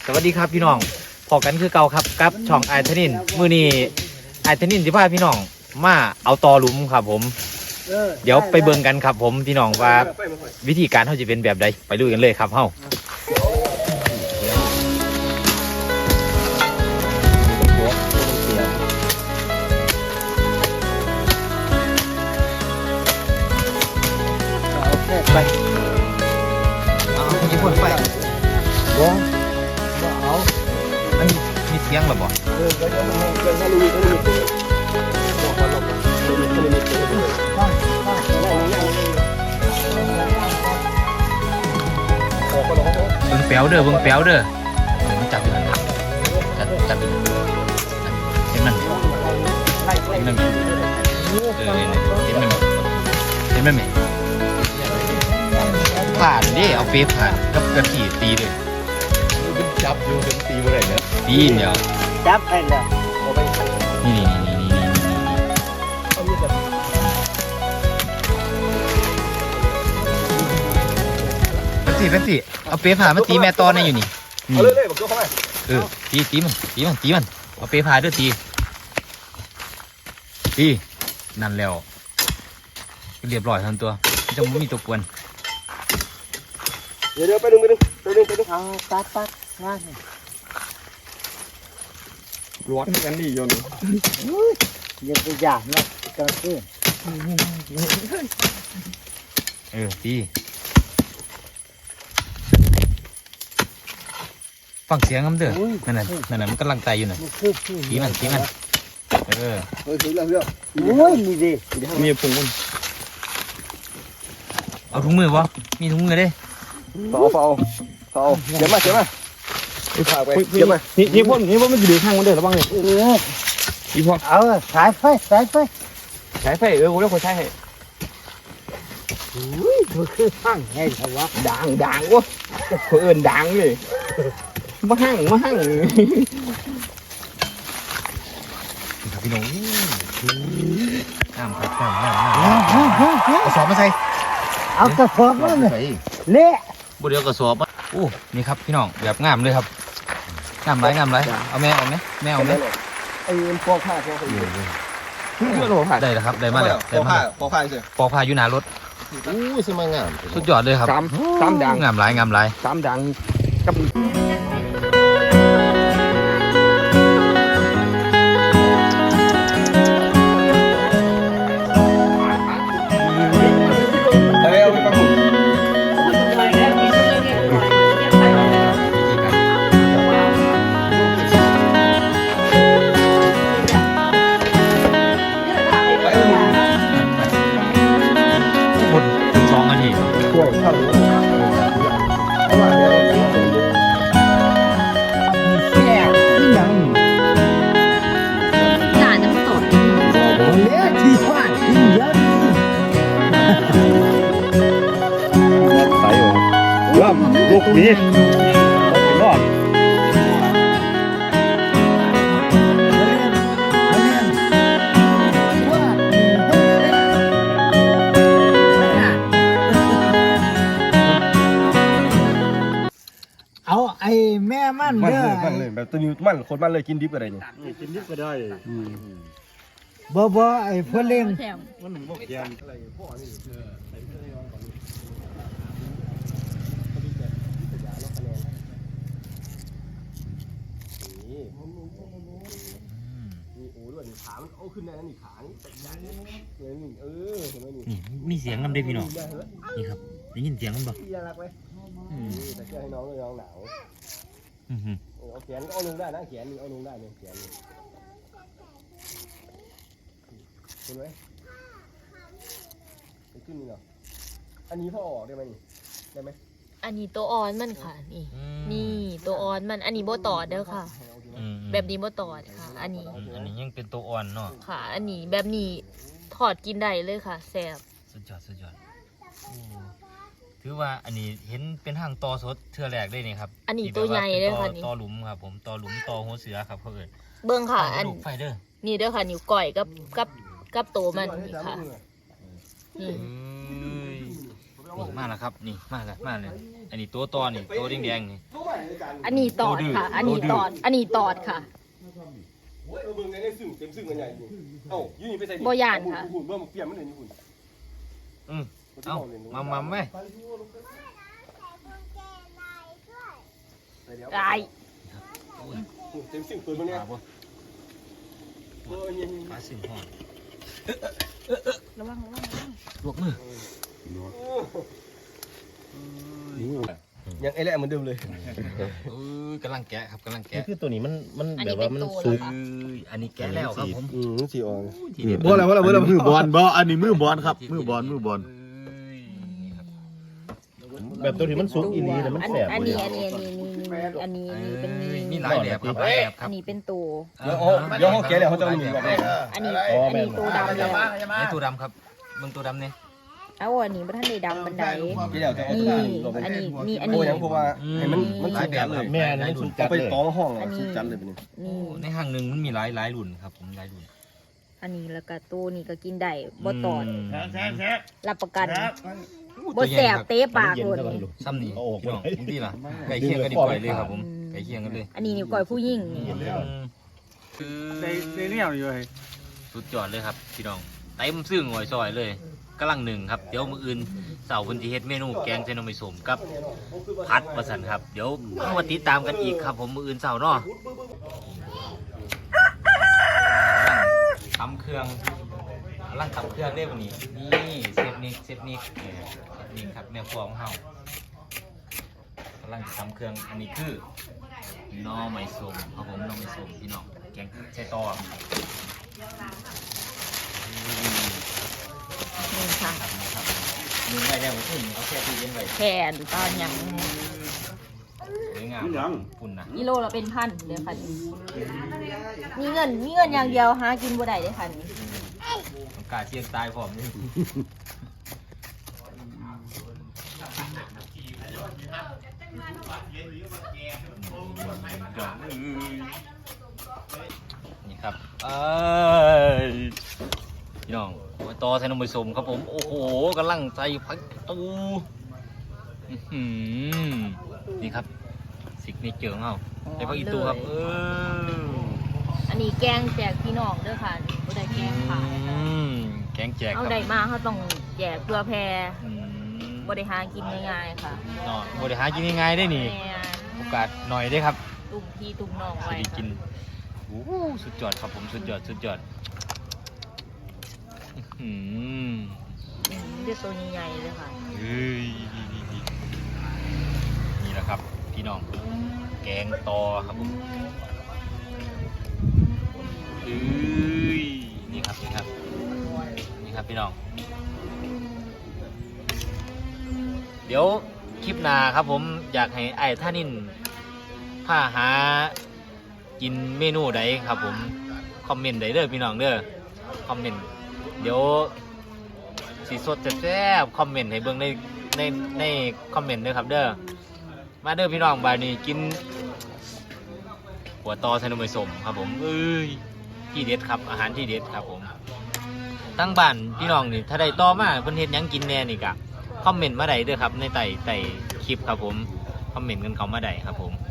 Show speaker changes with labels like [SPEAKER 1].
[SPEAKER 1] สวัสดีครับพี่น้องพอกันคือเก่าครับกับช่องไอทนินมื้อนี้ไอทนินสิพาพี่น้องมาเอาตอหลุมครับผมเดี๋ยวไปเบิ่งกันครับผมพี่น้องว่าวิธีการเขาจะเป็นแบบใดไปดูกันเลยครับเฮาไปเอาญี่ปุ่นไปบ่เอาอันนี้มีเสียงหรอบ่เบิ่งแป๊วเด้อมันจับอยู่นั่นจับอยู่เห็นมันเห็นมันไหมผ่านดิเอาเฟซผ่านกับกระขี่ตีเลยจับอยู่ถึงตีเมื่อไหร่เนี่ยตีเดียว
[SPEAKER 2] จับไปแล้ว
[SPEAKER 1] นี่เป็นสิเอาเฟซผ่านมาตีแม่ตอนนี่อยู่นี่
[SPEAKER 3] เอาเลยบอกเข้าไป
[SPEAKER 1] ตีมันเอาเฟซผ่านด้วยตีนั่นแล้วเรียบร้อยทั้งตัวจะไม่มีตัวกวน
[SPEAKER 3] เดี๋ยวไปดึง
[SPEAKER 2] เอาตัดงาน
[SPEAKER 3] ร้อนกันดีโยน
[SPEAKER 2] ยังไปอย่างนะก็คือ
[SPEAKER 1] ตีฟังเสียงมันเด้อนั่นมันกำลังไตอยู่น่ะตีมัน
[SPEAKER 3] ถือแล้ว
[SPEAKER 2] โอ้ยนี่ดิ
[SPEAKER 3] มีผง
[SPEAKER 1] เอาถุงมือวะมีถุงมือเด้
[SPEAKER 3] เฝ้าเดี๋ยวมาไปเดี๋ยวมานี่พ่นมันจะดีข้างมันเด้อระวังเลยนี่พ่น
[SPEAKER 2] เอาสายไฟ
[SPEAKER 3] กูแล้วคนใช้ให้
[SPEAKER 2] มันคือห้างไงเหรอวะ
[SPEAKER 3] ดังวะคนอื่นดังเลยมาห้าง
[SPEAKER 1] พี่น้องน้ำกระสอบมาใส่
[SPEAKER 2] เอากระสอบมาเลยเละ
[SPEAKER 1] บุเดียวกระสอบโอ้นี่ครับพี่น้องแบบงามเลยครับงามไรเอาแม่เอาไหม
[SPEAKER 3] ไอ้ปอกผ้า
[SPEAKER 1] ได้แล้วครับได้มาแล้ว
[SPEAKER 3] ปอกผ้าสิ
[SPEAKER 1] ปอกผ้าอยู่หน้ารถ
[SPEAKER 3] สมัยงาม
[SPEAKER 1] สุดยอดเลยครับ
[SPEAKER 3] สามดัง
[SPEAKER 1] งามไร
[SPEAKER 3] สามดังกับลูกนี้รอด
[SPEAKER 2] เอาไอ้แม่มันเด้อ
[SPEAKER 3] เลยแบบตัวนี้มันคนมันเลยกินดิบอะไรเนี่ย
[SPEAKER 2] กินดิบก็ได้บ่ไอ้เพื่อนเล่น
[SPEAKER 3] มันหนึ่งบ่แกนอะไรพ่อนี่ขามันเอาขึ้นได้นั่นนี่ขานี่เลยนี่เห็นไหมนี่
[SPEAKER 1] มีเสียงกันด้วยพี่น้องนี่ครับได้ยินเสียงมันบ่
[SPEAKER 3] น่ารักไหมแต่เชื่อให้น้องเลยน้องหนาวเอาแขนก็เอาลงได้นะแขนนี่เอาลงได้เนี่ยแขนนี่เห็นไหมไปขึ้นนี่เหรออันนี้พ่อออกได้ไหมนี่ได้ไหม
[SPEAKER 4] อันนี้ตัวอ่อนมันค่ะนี่ตัวอ่อนมันอันนี้โบตอดเด้อค่ะแบบนี้โบตอดค่ะอันนี้
[SPEAKER 1] ยังเป็นตัวอ่อนเนาะ
[SPEAKER 4] ค่ะอันนี้แบบนี้ถอดกินได้เลยค่ะแซ่บ
[SPEAKER 1] สุดยอดถือว่าอันนี้เห็นเป็นหางตอสดเทื่อแรกได้นี่ครับ
[SPEAKER 4] อันนี้ตัวใหญ่เลยค่ะนี่
[SPEAKER 1] ตอหลุมครับผมตอหลุมตอหัวเสือครับเพื่อน
[SPEAKER 4] เบิ้งค่ะอัน
[SPEAKER 1] ไฟเด้อ
[SPEAKER 4] นี่เด้อค่ะนิ้วก้อยกับโตมันนี่ค่ะนี่
[SPEAKER 1] นี่มาแล้วครับนี่มาแล้วมาเลยอันนี้ตัวตอนี่ตัวแดงๆนี่
[SPEAKER 4] อันนี้ตอดค่ะ อันนี้ตอดค่ะ
[SPEAKER 3] โอ้ยเบิ่งในซึ่งเต็มซึ่งกันใหญ่อยู่เอ้าอยู่นี่ไปใส่
[SPEAKER 4] บ่ย่านค่ะ
[SPEAKER 3] หุ่นเบิ่งเปลี่ยนมันเลยนี่หุ่น
[SPEAKER 1] เอามาไหม
[SPEAKER 4] ได้
[SPEAKER 3] เต็มซึ่งเปิดมันเนี่ย
[SPEAKER 1] ปลาบ่ปลาสิ่งห่อ
[SPEAKER 4] ระวัง
[SPEAKER 1] ลวกมือ
[SPEAKER 3] ยังไอ้แหละเหมือนเดิมเลย
[SPEAKER 1] กำลังแกะครับกำลัง
[SPEAKER 2] นี่
[SPEAKER 1] แกะ
[SPEAKER 2] คือตัวนี้มัน
[SPEAKER 4] อัน
[SPEAKER 2] แบ
[SPEAKER 4] นี้
[SPEAKER 2] บ
[SPEAKER 4] เป็
[SPEAKER 2] ว่าน มัน
[SPEAKER 4] ตัว
[SPEAKER 2] สุก
[SPEAKER 4] ค่ะ
[SPEAKER 1] อันนี้แกะแล้วครับผม
[SPEAKER 3] สีอ่อน
[SPEAKER 1] ทีเด็ด
[SPEAKER 3] บ่แล้วบ่แล้วบ่แล้ว
[SPEAKER 2] มือบอลบ่อันนี้มือบอลครับมือบอลแบบตัวนี้มันสุกอีนี้แต่มันแสบ
[SPEAKER 4] อัน
[SPEAKER 2] เลย
[SPEAKER 4] นี้เป็น
[SPEAKER 1] นี่หลายแบบครับหลายแบบค
[SPEAKER 4] อั
[SPEAKER 1] รับ
[SPEAKER 4] นนี้เป็นตัว
[SPEAKER 3] เดี๋ยวเขาแกะแล้วเขาจะเอาหนีก่อน
[SPEAKER 4] อันนี้ตัวดำแล้ว
[SPEAKER 1] ไอ้ตัวดำครับเบิ่งตัวดำเนี่ย
[SPEAKER 4] เอาอันนี้บ่ทันได้ดำบันได
[SPEAKER 3] แกะแล้วจะเอา
[SPEAKER 4] นี่
[SPEAKER 3] ตัว
[SPEAKER 4] อันนี้นี่อัน
[SPEAKER 3] โอ้
[SPEAKER 4] นี้
[SPEAKER 3] ยังเพราะว่าให้มันสุกจัดเลย
[SPEAKER 2] แม่นี่มันสุกจั
[SPEAKER 3] เอา
[SPEAKER 2] ด
[SPEAKER 3] ไป
[SPEAKER 2] เลย
[SPEAKER 3] ตองห้องสุกจัดเลยเป็น
[SPEAKER 4] นี่
[SPEAKER 1] ในห้างหนึ่งมันมีหลายรุ่นครับผมหลายรุ่น
[SPEAKER 4] อันนี้แล้วก็ตัวนี้ก็กินได้บ่ตอด
[SPEAKER 2] แซ่บ
[SPEAKER 4] รับประกันบ่แสบเตะปาก
[SPEAKER 2] เย็น
[SPEAKER 4] โลด
[SPEAKER 2] เท่ากัน
[SPEAKER 4] นี่
[SPEAKER 2] ลูก
[SPEAKER 1] ซ้ำนี่
[SPEAKER 2] เอาออก
[SPEAKER 1] พี่น้อง
[SPEAKER 2] ไว้
[SPEAKER 1] ผมดีล่ะไก่เคียงกันดีกว่าเลยครับผมไก่เคียงกันเลย
[SPEAKER 4] อันนี้นิ้วก้อยผู้หญิงนี่
[SPEAKER 1] คือ
[SPEAKER 5] ในเนี่ยอยู่เลย
[SPEAKER 1] สุดยอดเลยครับพี่น้องเต็มซึ่งหอยซอยเลยกำลังหนึ่งครับเดี๋ยวมื้ออื่นเสาร์วันที่เฮ็ดเมนูแกงเจนอมิสมกับผัดประสันครับเดี๋ยวมาติดตามกันอีกครับผมมื้ออื่นเสาร์เนาะตำเครื่องกำลังตำเครื่องได้วันนี้นี่เซฟนิกนี่ครับแม่ครัวของเฮากำลังจะตำเครื่องอันนี้คือหน่อไม้ส้มครับผมหน่อไม้ส้มพี่น้องแกงใส่ตอ
[SPEAKER 4] นี่ค่ะ
[SPEAKER 1] มือไว้แล้วเอาแค่ตู้เย็นไว้
[SPEAKER 4] แขนตอนหยัง
[SPEAKER 1] สวยงามฝุ่นนะ
[SPEAKER 4] กิโลละเป็นพันเดี๋ยวค่ะมีเงินอย่างเดียวหากินบ่ได้เด้อค่ะนี่
[SPEAKER 1] ต้องกาเชียนตายพร้อมนี่นี่ครับพี่น้องมาต่อใส่นมผสมครับผมโอ้โหกำลังใส่ผักตูนี่ครับสิกเนเจอร์ของเราใส่ผักอีตูครับ
[SPEAKER 4] อันนี้แกงแจกพี่น้องเด้อค่ะบ่ได้แกงขาย
[SPEAKER 1] แกงแจกค
[SPEAKER 4] เอา
[SPEAKER 1] รับ
[SPEAKER 4] ได้มาเขาต้องแจกเพื่อแพร
[SPEAKER 1] อืม
[SPEAKER 4] บ่ได้หากินง่ายๆค่ะ
[SPEAKER 1] เนาะบริหารกินง่ายๆได้นี่
[SPEAKER 4] แม่
[SPEAKER 1] โอกาสหน่อยได้ครับ
[SPEAKER 4] ตุ้มพี่ตุ้มน้อง
[SPEAKER 1] จะ
[SPEAKER 4] ไว้
[SPEAKER 1] ได้กิ
[SPEAKER 4] ค่ะ
[SPEAKER 1] นโอ้โหสุดยอดครับผมสุดยอดอืม
[SPEAKER 4] เด้อตัวใหญ่ๆเลยค่ะ
[SPEAKER 1] เฮ้ยนี่แหละครับพี่น้องแกงตอครับผมเอ้ยนี่ครับพี่น้องเดี๋ยวคลิปหน้าครับผมอยากให้ไอ้ท่านินพาหากินเมนูใดครับผมคอมเมนต์ใดเด้อพี่น้องเด้อคอมเมนต์เดี๋ยวสีสดแซ่บคอมเมนต์ให้เบิ่งในคอมเมนต์เด้อครับเด้อมาเด้อพี่น้องบายนี้กินหัวตอใส่นมผสมครับผมเอ้ยที่เด็ดครับอาหารที่เด็ดครับผมตั้งบ้านพี่น้องนี่ถ้าได้ต่อมาเพิ่นเฮ็ดหยังกินแน่นี่กะคอมเมนต์มาได้เด้อครับในใต้คลิปครับผมคอมเมนต์กันเข้ามาได้ครับผม